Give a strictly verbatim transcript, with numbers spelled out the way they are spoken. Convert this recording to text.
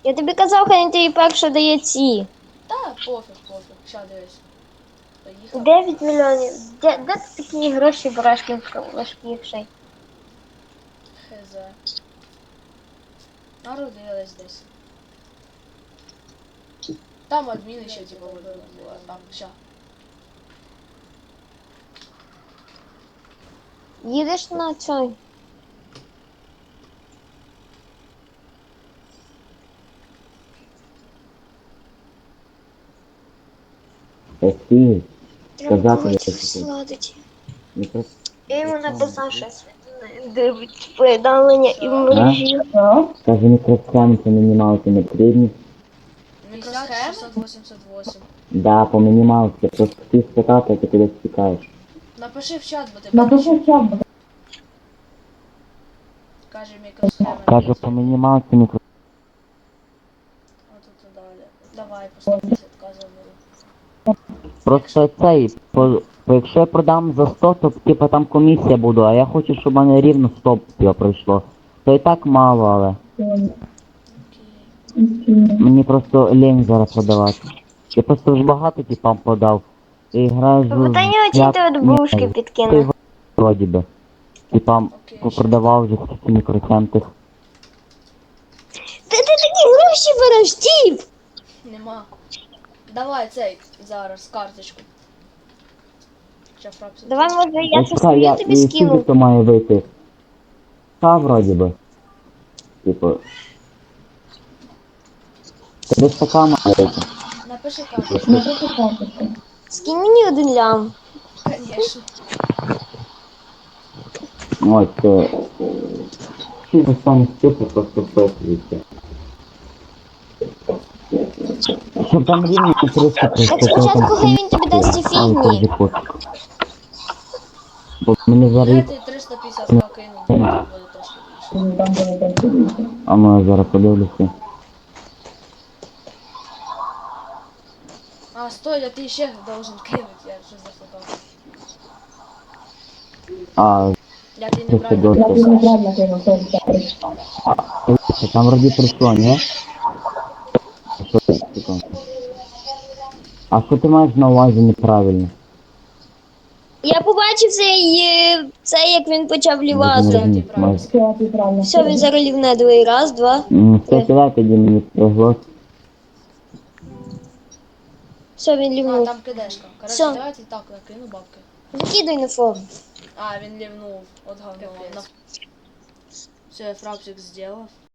Я тобі казав, хай він тобі перше дає ці. Та, пофіг, пофіг. Ща дивись. Поїхав. дев'ять мільйонів. Де, де ти такі гроші береш важкіший? Хз. Народилась десь. Там адміни ще типу були. Там, ща. Їдеш на цей? Офігеть. Треба Сказати, когось я сладить. Не просто Я йому написав щось. Дивить повідомлення і в мережі. Каже, мікросхеми по мінімалці не потрібні. п'ятдесят шістсот вісімдесят вісім. Да, по мінімалці. Просто ти спитати, а ти кудись тікаєш. Напиши в чат, бо ти Напиши бачиш. в чат, бо Каже мікросхема. Каже, по мінімалці мікро... А тут і далі. Давай, по сто п'ятдесят заберу. Просто цей, по, по, якщо я продам за сто, то типа там комісія буде, а я хочу, щоб в мене рівно сто типа, пройшло. То і так мало, але мені просто лень зараз продавати. Я просто вже багато типам подав. І граю з... Бо та нього ті ти от бушки підкине. Вроді би. Типам Окей, продавав вже ці мікроцентр. Ти, ти такі гроші береш, тіп! Нема. Давай цей зараз карточку. Ща фрапсу. Давай, може, я Ось щось чекай, я тобі і скільки скину. то має вийти? Та вроді би. Типу. Та десь така має вийти. Напиши карточку. напиши карточку. Скинь мені один лям. Конечно. Ось, це... Всі за самі ступи просто вписуються. Щоб там рівно триста Так спочатку хай він тобі дасть ці фігні. Бо мені зараз... Дайте триста п'ятдесят к кину, там буде трошки більше. Там буде трошки більше. А ну я зараз подивлюся. А, стой, а ти ще должен кинуть, я щось зафукав. А, Я ти Це неправильно добре. Я тобі неправильно кинув, це все. дивіться, там вроді прийшло, ні? А що ти, що там? А що ти маєш на увазі неправильно? Я побачив цей, е, це, як він почав Я не лівати. розумію, маєш. Все, ти правильно. Все, він зараз лівне другий раз, два. М, Все, кидай тоді мені приглас. Все, він А, лівнув. там кидешка. Короче, Всё. давайте так, я кину бабки. Викидай на форум. А, він лівнув. От говно. Все, я фрапсик сделав.